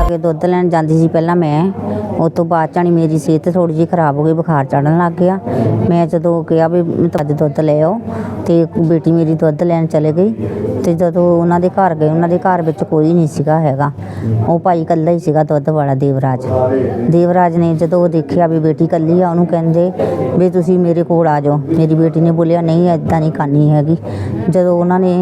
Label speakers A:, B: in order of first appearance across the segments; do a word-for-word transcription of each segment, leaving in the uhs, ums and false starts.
A: ਦੁੱਧ ਲੈਣ ਜਾਂਦੀ ਸੀ ਪਹਿਲਾਂ ਮੈਂ, ਉਸ ਤੋਂ ਬਾਅਦ ਚਾਣੀ ਮੇਰੀ ਸਿਹਤ ਥੋੜ੍ਹੀ ਜਿਹੀ ਖਰਾਬ ਹੋ ਗਈ, ਬੁਖਾਰ ਚੜ੍ਹਨ ਲੱਗ ਗਿਆ। ਮੈਂ ਜਦੋਂ ਕਿਹਾ ਵੀ ਅੱਜ ਦੁੱਧ ਲੈ ਆਓ ਅਤੇ ਬੇਟੀ ਮੇਰੀ ਦੁੱਧ ਲੈਣ ਚਲੇ ਗਈ। ਅਤੇ ਜਦੋਂ ਉਹਨਾਂ ਦੇ ਘਰ ਗਏ, ਉਹਨਾਂ ਦੇ ਘਰ ਵਿੱਚ ਕੋਈ ਨਹੀਂ ਸੀਗਾ ਹੈਗਾ, ਉਹ ਭਾਈ ਇਕੱਲਾ ਹੀ ਸੀਗਾ ਦੁੱਧ ਵਾਲਾ ਦੇਵਰਾਜ। ਦੇਵਰਾਜ ਨੇ ਜਦੋਂ ਉਹ ਦੇਖਿਆ ਵੀ ਬੇਟੀ ਇਕੱਲੀ ਆ, ਉਹਨੂੰ ਕਹਿੰਦੇ ਵੀ ਤੁਸੀਂ ਮੇਰੇ ਕੋਲ ਆ ਜਾਓ। ਮੇਰੀ ਬੇਟੀ ਨੇ ਬੋਲਿਆ ਨਹੀਂ ਇੱਦਾਂ ਨਹੀਂ ਕਰਨੀ ਹੈਗੀ। ਜਦੋਂ ਉਹਨਾਂ ਨੇ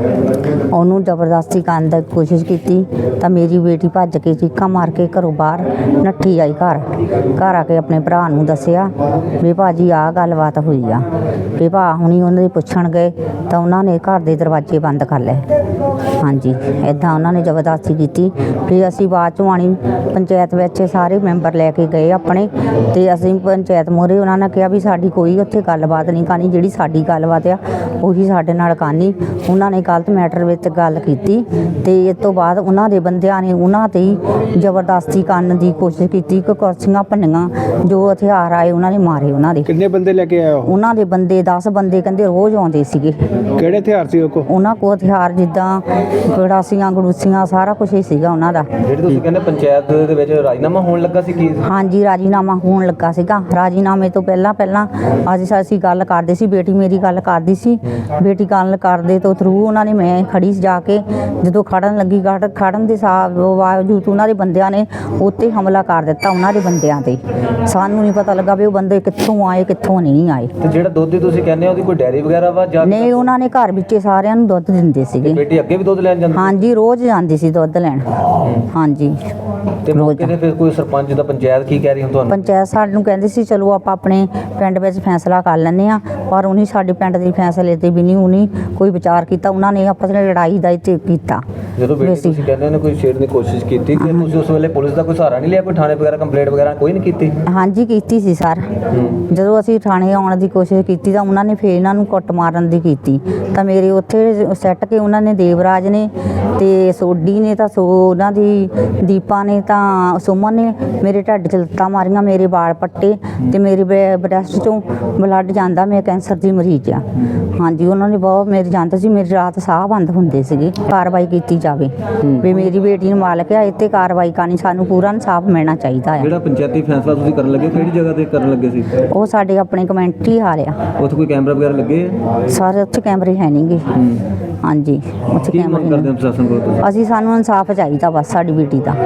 A: ਉਹਨੂੰ ਜ਼ਬਰਦਸਤੀ ਕਰਨ ਦੀ ਕੋਸ਼ਿਸ਼ ਕੀਤੀ ਤਾਂ ਮੇਰੀ ਬੇਟੀ ਭੱਜ ਕੇ ਚੀਕਾਂ ਮਾਰ ਕੇ ਘਰੋਂ ਬਾਹਰ ਨੱਠੀ ਆਈ। ਘਰ ਘਰ ਆ ਕੇ ਆਪਣੇ ਭਰਾ ਨੂੰ ਦੱਸਿਆ ਵੀ ਭਾਜੀ ਆਹ ਗੱਲਬਾਤ ਹੋਈ ਆ। ਵੀ ਭਾ ਹੁਣੀ ਉਹਨਾਂ ਦੇ ਪੁੱਛਣ ਗਏ ਤਾਂ ਉਹਨਾਂ ਨੇ ਘਰ ਦੇ ਦਰਵਾਜ਼ੇ ਬੰਦ ਕਰ ਲਏ। ਹਾਂਜੀ, ਇੱਦਾਂ ਉਹਨਾਂ ਨੇ ਜ਼ਬਰਦਸਤੀ ਕੀਤੀ। ਫਿਰ ਅਸੀਂ ਬਾਅਦ ਚੋਂ ਆਣੀ ਪੰਚਾਇਤ ਵਿੱਚ ਸਾਰੇ ਮੈਂਬਰ ਲੈ ਕੇ ਗਏ ਆਪਣੇ, ਅਤੇ ਅਸੀਂ ਪੰਚਾਇਤ ਮੂਹਰੇ ਉਹਨਾਂ ਨੇ ਕਿਹਾ ਵੀ ਸਾਡੀ ਕੋਈ ਉੱਥੇ ਗੱਲਬਾਤ ਨਹੀਂ ਕਰਨੀ, ਜਿਹੜੀ ਸਾਡੀ ਗੱਲਬਾਤ ਆ ਉਹੀ ਸਾਡੇ ਨਾਲ ਕਰਨੀ। ਉਹਨਾਂ ਨੇ ਗਲਤ ਮੈਟਰ ਵਿੱਚ ਗੱਲ ਕੀਤੀ ਅਤੇ ਇਸ ਤੋਂ ਬਾਅਦ ਉਹਨਾਂ ਦੇ ਬੰਦਿਆਂ ਨੇ ਉਹਨਾਂ 'ਤੇ ਹੀ ਜ਼ਬਰਦਸਤੀ ਕਰਨ ਦੀ ਕੋਸ਼ਿਸ਼ ਕੀਤੀ ਕਿ ਕੁਰਸੀਆਂ ਭੰਨੀਆਂ, ਜੋ ਹਥਿਆਰ ਆਏ ਉਹਨਾਂ ਨੇ ਮਾਰੇ। ਉਹਨਾਂ ਦੇ
B: ਕਿੰਨੇ ਬੰਦੇ ਲੈ ਕੇ ਆਏ ਹੋ?
A: ਉਹਨਾਂ ਦੇ ਬੰਦੇ ਦਸ ਬੰਦੇ ਕਹਿੰਦੇ ਰੋਜ਼ ਆਉਂਦੇ ਸੀਗੇ।
B: ਕਿਹੜੇ ਹਥਿਆਰ ਸੀ ਉਹ ਕੋਲ?
A: ਉਹਨਾਂ ਕੋਲ ਹਥਿਆਰ ਜਿੱਦਾਂ ਗੜਾਸੀਆਂ ਗੜੂਸੀਆਂ ਸਾਰਾ ਕੁਛ ਹੀ ਸੀਗਾ ਉਹਨਾਂ ਦਾ।
C: ਜਿਹੜੇ ਤੁਸੀਂ ਕਹਿੰਦੇ ਪੰਚਾਇਤ ਦੇ ਵਿੱਚ ਰਾਜੀਨਾਮਾ ਹੋਣ ਲੱਗਾ ਸੀ ਕੀ?
A: ਹਾਂਜੀ, ਰਾਜੀਨਾਮਾ ਹੋਣ ਲੱਗਾ ਸੀਗਾ। ਰਾਜੀਨਾਮੇ ਤੋਂ ਪਹਿਲਾਂ ਪਹਿਲਾਂ ਅੱਜ ਅਸੀਂ ਗੱਲ ਕਰਦੇ ਸੀ, ਬੇਟੀ ਮੇਰੀ ਗੱਲ ਕਰਦੀ ਸੀ। ਬੇਟੀ ਗੱਲ ਕਰਦੇ ਤੋਂ ਥਰੂ ਉਹਨਾਂ ਨੇ ਮੈਂ ਖੜੀ ਜਾ ਕੇ ਜਦੋਂ ਖੜਨ ਲੱਗੀ ਖੜ ਖੜਨ ਦੇ ਬਾਵਜੂਦ ਉਹਨਾਂ ਦੇ ਬੰਦਿਆਂ ਨੇ ਉੱਤੇ ਹਮਲਾ ਕਰ ਦਿੱਤਾ। ਉਹਨਾਂ ਦੇ ਬੰਦਿਆਂ 'ਤੇ ਸਾਨੂੰ ਨਹੀਂ ਪਤਾ ਲੱਗਾ ਵੀ ਉਹ ਬੰਦੇ ਕਿੱਥੋਂ ਆਏ ਕਿੱਥੋਂ ਨਹੀਂ ਆਏ।
C: ਤੇ ਜਿਹੜਾ ਦੁੱਧ ਤੁਸੀਂ ਕਹਿੰਦੇ ਹੋ ਉਹਦੀ ਕੋਈ ਡੈਰੀ ਵਗੈਰਾ ਵਾ ਜਾਂ
A: ਨਹੀਂ? ਉਹਨਾਂ ਨੇ ਘਰ ਵਿੱਚ ਸਾਰਿਆਂ ਨੂੰ ਦੁੱਧ ਦਿੰਦੇ ਸੀਗੇ।
C: ਬੇਟੀ ਅੱਗੇ ਵੀ ਦੁੱਧ ਲੈਣ ਜਾਂਦੀ?
A: ਹਾਂਜੀ, ਰੋਜ਼ ਜਾਂਦੀ ਸੀ ਦੁੱਧ ਲੈਣ। ਹਾਂਜੀ,
C: ਤੇ ਮੌਕੇ ਤੇ ਫਿਰ ਕੋਈ ਸਰਪੰਚ ਦਾ ਪੰਚਾਇਤ ਕੀ ਕਹਿ ਰਹੀ ਹੁਣ ਤੁਹਾਨੂੰ?
A: ਪੰਚਾਇਤ ਸਾਨੂੰ ਕਹਿੰਦੀ ਸੀ ਚਲੋ ਆਪਾਂ ਆਪਣੇ ਪਿੰਡ ਵਿੱਚ ਫੈਸਲਾ ਕਰ ਲੈਂਦੇ ਹਾਂ, ਪਰ ਉਹਨੇ ਸਾਡੇ ਪਿੰਡ ਦੇ ਫੈਸਲੇ 'ਤੇ ਵੀ ਨਹੀਂ ਉਹਨੇ ਕੋਈ ਵਿਚਾਰ ਕੀਤਾ। ਉਹਨਾਂ ਨੇ ਆਪਸ ਵਿੱਚ ਲੜਾਈ ਦਾ ਇੱਥੇ ਕੀਤਾ।
C: ਜਦੋਂ ਬੇਟੀ ਤੁਸੀਂ ਕਹਿੰਦੇ ਨੇ ਕੋਈ ਛੇੜਨ ਦੀ ਕੋਸ਼ਿਸ਼ ਕੀਤੀ ਕਿ ਤੁਸੀਂ ਉਸ ਵੇਲੇ ਪੁਲਿਸ ਦਾ ਕੋਈ ਸਹਾਰਾ ਨਹੀਂ ਲਿਆ? ਕੋਈ ਥਾਣੇ ਵਗੈਰਾ ਕੰਪਲੇਂਟ ਵਗੈਰਾ ਕੋਈ ਨਹੀਂ ਕੀਤੀ?
A: ਹਾਂਜੀ, ਕੀਤੀ ਸੀ ਸਰ। ਜਦੋਂ ਅਸੀਂ ਥਾਣੇ ਆਉਣ ਦੀ ਕੋਸ਼ਿਸ਼ ਕੀਤੀ ਤਾਂ ਉਹਨਾਂ ਨੇ ਫਿਰ ਇਹਨਾਂ ਨੂੰ ਕੁੱਟ ਮਾਰਨ ਦੀ ਕੀਤੀ। ਤਾਂ ਮੇਰੇ ਉੱਥੇ ਸੱਟ ਕੇ ਉਹਨਾਂ ਨੇ ਦੇਵਰਾਜ ਨੇ ਅਤੇ ਸੋਢੀ ਨੇ ਤਾਂ ਸੋ ਉਹਨਾਂ ਦੀ ਦੀਪਾ ਨੇ ਤਾਂ ਸੁਮਨ ਨੇ ਮੇਰੇ ਢੱਡ 'ਚ ਲੱਤਾਂ ਮਾਰੀਆਂ, ਮੇਰੇ ਵਾਲ ਪੱਟੇ ਅਤੇ ਮੇਰੇ ਬ੍ਰੈਸਟ 'ਚੋਂ ਬਲੱਡ ਜਾਂਦਾ। ਮੈਂ ਕੈਂਸਰ ਦੀ ਮਰੀਜ਼ ਆ। ਹਾਂਜੀ, ਉਹਨਾਂ ਨੇ ਬਹੁਤ ਮੇਰੇ ਜਾਂਦੇ ਸੀ, ਮੇਰੀ ਰਾਤ ਸਾਹ ਬੰਦ ਹੁੰਦੇ ਸੀਗੇ। ਕਾਰਵਾਈ ਕੀਤੀ ਜਾਵੇ ਵੀ ਮੇਰੀ ਬੇਟੀ ਨੂੰ ਮਾਲਕ ਆ, ਇੱਥੇ ਕਾਰਵਾਈ ਕਰਨੀ, ਸਾਨੂੰ ਪੂਰਾ ਇਨਸਾਫ ਮਿਲਣਾ ਚਾਹੀਦਾ ਹੈ।
C: ਜਿਹੜਾ ਪੰਚਾਇਤੀ ਫੈਸਲਾ ਤੁਸੀਂ ਕਰਨ ਲੱਗੇ ਕਿਹੜੀ ਜਗ੍ਹਾ ਤੇ ਕਰਨ ਲੱਗੇ ਸੀ?
A: ਉਹ ਸਾਡੇ ਆਪਣੇ ਕਮੈਂਟਰੀ ਹਾਲ ਆ।
C: ਉੱਥੇ ਕੋਈ ਕੈਮਰਾ ਵਗੈਰਾ ਲੱਗੇ?
A: ਸਾਰੇ ਉੱਥੇ ਕੈਮਰੇ ਹੈ ਨਹੀਂ ਗੇ। ਹਾਂਜੀ, ਉੱਥੇ
C: ਕੀ ਮੰਗ ਕਰਦੇ ਹੋ ਪ੍ਰਸ਼ਾਸਨ ਕੋਲ ਤੁਸੀਂ?
A: ਅਸੀਂ ਸਾਨੂੰ ਇਨਸਾਫ ਚਾਹੀਦਾ ਬਸ ਸਾਡੀ ਬੇਟੀ ਦਾ।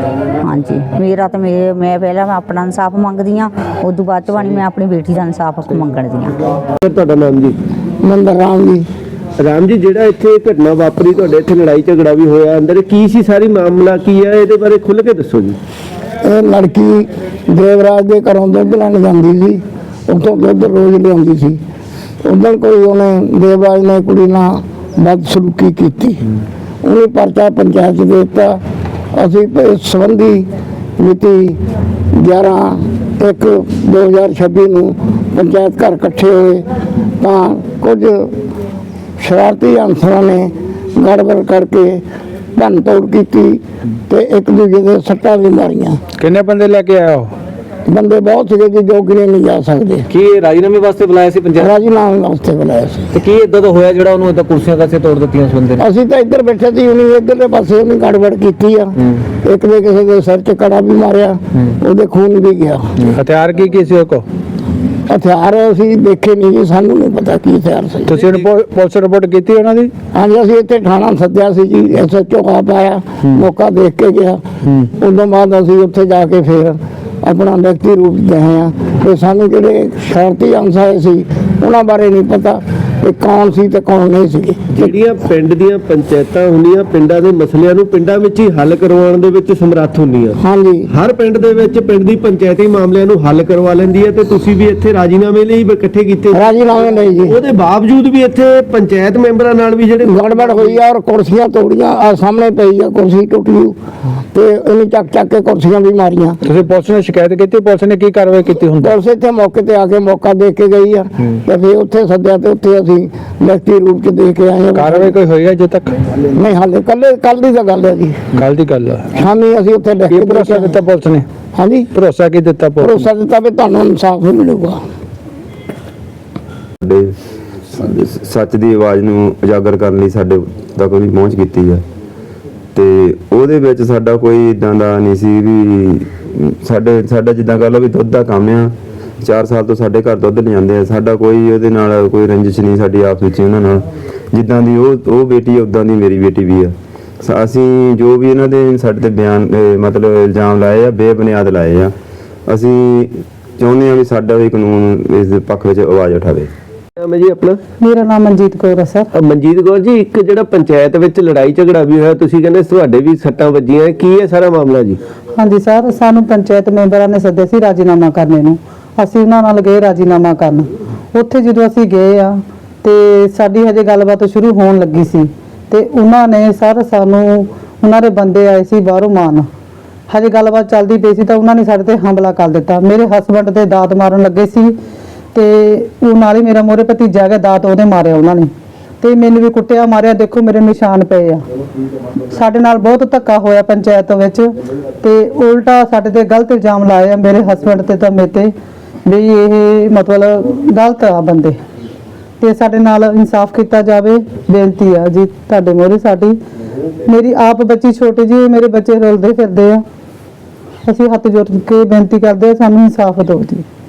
A: ਹਾਂਜੀ, ਮੇਰਾ ਤਾਂ ਮੇਰੇ ਮੈਂ ਪਹਿਲਾਂ ਮੈਂ ਆਪਣਾ ਇਨਸਾਫ ਮੰਗਦੀ ਹਾਂ, ਉਸ ਤੋਂ ਬਾਅਦ 'ਚ ਬਣੀ ਮੈਂ ਆਪਣੀ ਬੇਟੀ ਦਾ ਇਨਸਾਫ ਮੰਗਦੀ ਹਾਂ।
B: ਤੁਹਾਡਾ ਨਾਮ ਜੀ?
D: ਮੰਦਰ ਰਾਮ ਜੀ।
B: ਰਾਮ ਜੀ, ਜਿਹੜਾ ਇੱਥੇ ਘਟਨਾ ਵਾਪਰੀ, ਤੁਹਾਡੇ ਇੱਥੇ ਲੜਾਈ ਝਗੜਾ ਵੀ ਹੋਇਆ, ਅੰਦਰ ਕੀ ਸੀ ਸਾਰੀ ਮਾਮਲਾ ਕੀ ਹੈ? ਇਹਦੇ ਬਾਰੇ ਖੁੱਲ੍ਹ ਕੇ ਦੱਸੋ ਜੀ।
D: ਇਹ ਲੜਕੀ ਦੇਵਰਾਜ ਦੇ ਘਰੋਂ ਦੁੱਧ ਲੈਣ ਜਾਂਦੀ ਸੀ, ਉੱਥੋਂ ਦੁੱਧ ਰੋਜ਼ ਲਿਆਉਂਦੀ ਸੀ। ਉਦੋਂ ਕੋਈ ਉਹਨੇ ਦੇਵਰਾਜ ਨੇ ਕੁੜੀ ਨਾਲ ਬਦਸਲੂਕੀ ਕੀਤੀ, ਉਹਨੇ ਪਰਚਾ ਪੰਚਾਇਤ 'ਚ ਦੇ ਦਿੱਤਾ। ਅਸੀਂ ਇਸ ਸੰਬੰਧੀ ਮਿਤੀ ਗਿਆਰਾਂ ਇੱਕ ਦੋ ਹਜ਼ਾਰ ਛੱਬੀ ਨੂੰ ਪੰਚਾਇਤ ਘਰ ਇਕੱਠੇ ਹੋਏ ਤਾਂ ਕੁਝ ਸ਼ਰਾਰਤੀ ਅਨਸਰਾਂ ਨੇ ਗੜਬੜ ਕਰਕੇ ਭੰਨ ਤੋੜ ਕੀਤੀ ਤੇ ਇੱਕ ਦੂਜੇ ਦੇ ਸੱਟਾਂ ਵੀ ਮਾਰੀਆਂ।
B: ਕਿੰਨੇ ਬੰਦੇ ਲੈ ਕੇ ਆਏ ਹੋ?
D: ਬੰਦੇ ਬਹੁਤ ਸੀਗੇ ਜੀ, ਜੋ ਗਿਣੇ ਨਹੀਂ ਜਾ ਸਕਦੇ।
C: ਕੀ ਰਾਜੀਨਾਮੇ ਵਾਸਤੇ ਬੁਲਾਇਆ ਸੀ ਪੰਚਾਇਤ?
D: ਰਾਜੀਨਾਮੇ ਵਾਸਤੇ ਬੁਲਾਇਆ ਸੀ।
C: ਤੇ ਕੀ ਇਦਾਂ ਦਾ ਹੋਇਆ ਜਿਹੜਾ ਉਹਨੂੰ ਇਦਾਂ ਕੁਰਸੀਆਂ ਕਾਸੇ ਤੋੜ ਦਿੱਤੀਆਂ ਉਸ ਬੰਦੇ ਨੇ?
D: ਅਸੀਂ ਤਾਂ ਇੱਧਰ ਬੈਠੇ ਸੀ, ਉਹਨੇ ਇੱਧਰਲੇ ਪਾਸੇ ਉਹਨੇ ਗੜਬੜ ਕੀਤੀ ਆ। ਇੱਕ ਦੇ ਕਿਸੇ ਦੇ ਸਿਰ 'ਚ ਕੜਾ ਵੀ ਮਾਰਿਆ, ਉਹਦੇ ਖੂਨ ਵੀ ਗਿਆ।
B: ਹਥਿਆਰ ਕੀ ਕੀ ਸੀ ਉਹ ਕੋ?
D: ਹਥਿਆਰ ਅਸੀਂ ਦੇਖੇ ਨਹੀਂ ਜੀ, ਸਾਨੂੰ ਨਹੀਂ ਪਤਾ ਕੀ ਹਥਿਆਰ ਸੀ।
B: ਤੁਸੀਂ ਪੁਲਿਸ ਰਿਪੋਰਟ ਕੀਤੀ ਉਹਨਾਂ ਦੀ?
D: ਹਾਂਜੀ, ਅਸੀਂ ਇੱਥੇ ਥਾਣਾ ਸੱਦਿਆ ਸੀ ਜੀ, ਐਸ ਐਚ ਓ ਆਪ ਆਇਆ, ਮੌਕਾ ਦੇਖ ਕੇ ਗਿਆ। ਉਦੋਂ ਬਾਅਦ ਅਸੀਂ ਉੱਥੇ ਜਾ ਕੇ ਫਿਰ ਆਪਣਾ ਲਿਖਤੀ ਰੂਪ ਦੇ ਆ ਤੇ ਸਾਨੂੰ ਜਿਹੜੇ ਸ਼ਰਾਰਤੀ ਅਨਸਰ ਸੀ ਉਹਨਾਂ ਬਾਰੇ ਨਹੀਂ ਪਤਾ ਕਿ ਕੌਣ ਸੀ ਤੇ ਕੌਣ ਨਹੀਂ ਸੀ।
B: ਜਿਹੜੀਆਂ ਪਿੰਡ ਦੀਆਂ ਪੰਚਾਇਤਾਂ ਹੁੰਦੀਆਂ, ਪਿੰਡਾਂ ਦੇ ਮਸਲਿਆਂ ਨੂੰ ਪਿੰਡਾਂ ਵਿੱਚ ਹੀ ਹੱਲ ਕਰਵਾਉਣ ਦੇ ਵਿੱਚ ਸਮਰੱਥ ਹੁੰਦੀਆਂ।
D: ਹਾਂਜੀ,
B: ਹਰ ਪਿੰਡ ਦੇ ਵਿੱਚ ਪਿੰਡ ਦੀ ਪੰਚਾਇਤੀ ਮਾਮਲਿਆਂ ਨੂੰ ਹੱਲ ਕਰਵਾ ਲੈਂਦੀ ਹੈ ਤੇ ਤੁਸੀਂ ਵੀ ਇੱਥੇ ਰਾਜੀਨਾਮੇ ਲਈ ਇਕੱਠੇ ਕੀਤੇ?
D: ਰਾਜੀਨਾਮੇ ਲਈ ਜੀ।
B: ਉਹਦੇ ਬਾਵਜੂਦ ਵੀ ਇੱਥੇ ਪੰਚਾਇਤ ਮੈਂਬਰਾਂ ਨਾਲ ਵੀ ਜਿਹੜੇ
D: ਗੜਬੜ ਹੋਈ ਆ ਔਰ ਕੁਰਸੀਆਂ ਤੋੜੀਆਂ, ਆ ਸਾਹਮਣੇ ਪਈ ਆ ਕੁਰਸੀ ਟੁੱਟ ਗਈ ਤੇ ਉਹਨੇ ਚੱਕ ਚੱਕ ਕੇ ਕੁਰਸੀਆਂ ਵੀ ਮਾਰੀਆਂ।
B: ਤੁਸੀਂ ਪੁਲਿਸ ਨੂੰ ਸ਼ਿਕਾਇਤ ਕੀਤੀ? ਪੁਲਿਸ ਨੇ ਕੀ ਕਾਰਵਾਈ ਕੀਤੀ? ਹੁਣ
D: ਪੁਲਿਸ ਇੱਥੇ ਮੌਕੇ ਤੇ ਆ ਕੇ ਮੌਕਾ ਦੇਖ ਕੇ ਗਈ ਆ ਤੇ ਫਿਰ ਉੱਥੇ ਸੱਦਿਆ ਤੇ ਉੱਥੇ ਅਸੀਂ ਲਿਖਤੀ ਰੂਪ 'ਚ ਦੇ ਕੇ ਆਏ ਹਾਂ।
B: ਕਾਰਵਾਈ ਕੋਈ ਹੋਈ ਹੈ ਅਜੇ ਤੱਕ?
D: ਨਹੀਂ, ਹਾਲੇ ਕੱਲੇ ਕੱਲ ਦੀ ਤਾਂ ਗੱਲ ਹੈ ਜੀ,
B: ਕੱਲ ਦੀ ਗੱਲ ਹੈ।
D: ਸ਼ਾਮੀ ਅਸੀਂ ਉੱਥੇ ਲਿਖ ਕੇ
B: ਭਰੋਸਾ ਦਿੱਤਾ ਪੁਲਿਸ ਨੇ?
D: ਹਾਂਜੀ,
B: ਭਰੋਸਾ ਕੀ ਦਿੱਤਾ ਪੁਲਿਸ?
D: ਭਰੋਸਾ ਦਿੱਤਾ ਵੀ ਤੁਹਾਨੂੰ ਇਨਸਾਫ ਮਿਲੂਗਾ।
E: ਸੱਚ ਦੀ ਆਵਾਜ਼ ਨੂੰ ਉਜਾਗਰ ਕਰਨ ਲਈ ਸਾਡੇ ਤੱਕ ਵੀ ਪਹੁੰਚ ਕੀਤੀ ਹੈ ਤੇ ਉਹਦੇ ਵਿੱਚ ਸਾਡਾ ਕੋਈ ਇਦਾਂ ਦਾ ਨਹੀਂ ਸੀ ਵੀ ਸਾਡੇ ਸਾਡਾ ਜਿੱਦਾਂ ਕਹ ਲਓ ਵੀ ਦੁੱਧ ਦਾ ਕੰਮ ਆ, ਚਾਰ ਸਾਲ ਤੋਂ ਸਾਡੇ ਘਰ ਦੁੱਧ ਲਿਆਉਂਦੇ ਆ, ਸਾਡਾ ਕੋਈ ਉਹਦੇ ਨਾਲ ਕੋਈ ਰੰਜਿਸ਼ ਨਹੀਂ ਸਾਡੀ ਆਪਸ ਵਿੱਚ ਉਹਨਾਂ ਨਾਲ। ਜਿੱਦਾਂ ਦੀ ਉਹ ਉਹ ਬੇਟੀ ਆ ਉਦਾਂ ਦੀ ਮੇਰੀ ਬੇਟੀ ਵੀ ਆ। ਸ- ਅਸੀਂ ਜੋ ਵੀ ਇਹਨਾਂ ਦੇ ਸਾਡੇ ਤੇ ਬਿਆਨ ਅਹ ਮਤਲਬ ਇਲਜ਼ਾਮ ਲਾਏ ਆ, ਬੇਬੁਨਿਆਦ ਲਾਏ ਆ। ਅਸੀਂ ਚਾਹੁੰਦੇ ਹਾਂ ਵੀ ਸਾਡਾ ਵੀ ਕਾਨੂੰਨ ਇਸ ਦੇ ਪੱਖ ਵਿੱਚ ਆਵਾਜ਼ ਉਠਾਵੇ।
B: ਨਾਮ ਹੈ ਜੀ ਆਪਣਾ?
F: ਮੇਰਾ ਨਾਮ ਮਨਜੀਤ ਕੌਰ ਹੈ ਸਰ।
B: ਅ, ਮਨਜੀਤ ਕੌਰ ਜੀ, ਇੱਕ ਜਿਹੜਾ ਪੰਚਾਇਤ ਵਿੱਚ ਲੜਾਈ ਝਗੜਾ ਵੀ ਹੋਇਆ, ਤੁਸੀਂ ਕਹਿੰਦੇ ਤੁਹਾਡੇ ਵੀ ਸੱਟਾਂ ਵੱਜੀਆਂ, ਕੀ ਹੈ ਸਾਰਾ ਮਾਮਲਾ ਜੀ?
F: ਹਾਂਜੀ ਸਰ, ਸਾਨੂੰ ਪੰਚਾਇਤ ਮੈਂਬਰਾਂ ਨੇ ਸੱਦਿਆ ਸੀ ਰਾਜੀਨਾਮਾ ਕਰਨੇ ਨੂੰ। ਅਸੀਂ ਉਹਨਾਂ ਨਾਲ ਗਏ ਰਾਜੀਨਾਮਾ ਕਰਨ। ਉੱਥੇ ਜਦੋਂ ਅਸੀਂ ਗਏ ਆ ਤੇ ਸਾਡੀ ਹਜੇ ਗੱਲਬਾਤ ਸ਼ੁਰੂ ਹੋਣ ਲੱਗੀ ਸੀ ਤੇ ਉਹਨਾਂ ਨੇ ਸਰ ਸਾਨੂੰ, ਉਹਨਾਂ ਦੇ ਬੰਦੇ ਆਏ ਸੀ ਬਾਹਰੋਂ ਮਾਨ, ਹਜੇ ਗੱਲਬਾਤ ਚੱਲਦੀ ਪਈ ਸੀ ਤਾਂ ਉਹਨਾਂ ਨੇ ਸਾਡੇ ਤੇ ਹਮਲਾ ਕਰ ਦਿੱਤਾ। ਮੇਰੇ ਹਸਬੰਡ ਤੇ ਦਾਤ ਮਾਰਨ ਲੱਗੇ ਸੀ ਤੇ ਉਹ ਨਾਲ ਹੀ ਮੇਰਾ ਮੋਰੇ ਭਤੀਜਾ ਗਿਆ, ਦਾਤ ਉਹਦੇ ਮਾਰਿਆ ਉਹਨਾਂ ਨੇ ਤੇ ਮੈਨੂੰ ਵੀ ਕੁੱਟਿਆ ਮਾਰਿਆ। ਦੇਖੋ ਮੇਰੇ ਨਿਸ਼ਾਨ ਪਏ ਆ। ਸਾਡੇ ਨਾਲ ਬਹੁਤ ਧੱਕਾ ਹੋਇਆ ਪੰਚਾਇਤ ਵਿੱਚ ਤੇ ਉਲਟਾ ਸਾਡੇ ਤੇ ਗਲਤ ਇਲਜ਼ਾਮ ਲਾਏ ਆ ਮੇਰੇ ਹਸਬੰਡ ਤੇ ਤਾਂ ਮੇਰੇ ਤੇ ਵੀ ਇਹ ਮਤਲਬ ਗਲਤ ਆ ਬੰਦੇ, ਤੇ ਸਾਡੇ ਨਾਲ ਇਨਸਾਫ ਕੀਤਾ ਜਾਵੇ। ਬੇਨਤੀ ਆ ਜੀ ਤੁਹਾਡੇ ਮੋਰੇ ਸਾਡੀ। ਮੇਰੀ ਆਪ ਬੱਚੀ ਛੋਟੀ ਜੀ, ਮੇਰੇ ਬੱਚੇ ਰੁਲਦੇ ਫਿਰਦੇ ਆ। ਅਸੀਂ ਹੱਥ ਜੋੜ ਕੇ ਬੇਨਤੀ ਕਰਦੇ ਆ, ਸਾਨੂੰ ਇਨਸਾਫ ਦਿਓ ਜੀ।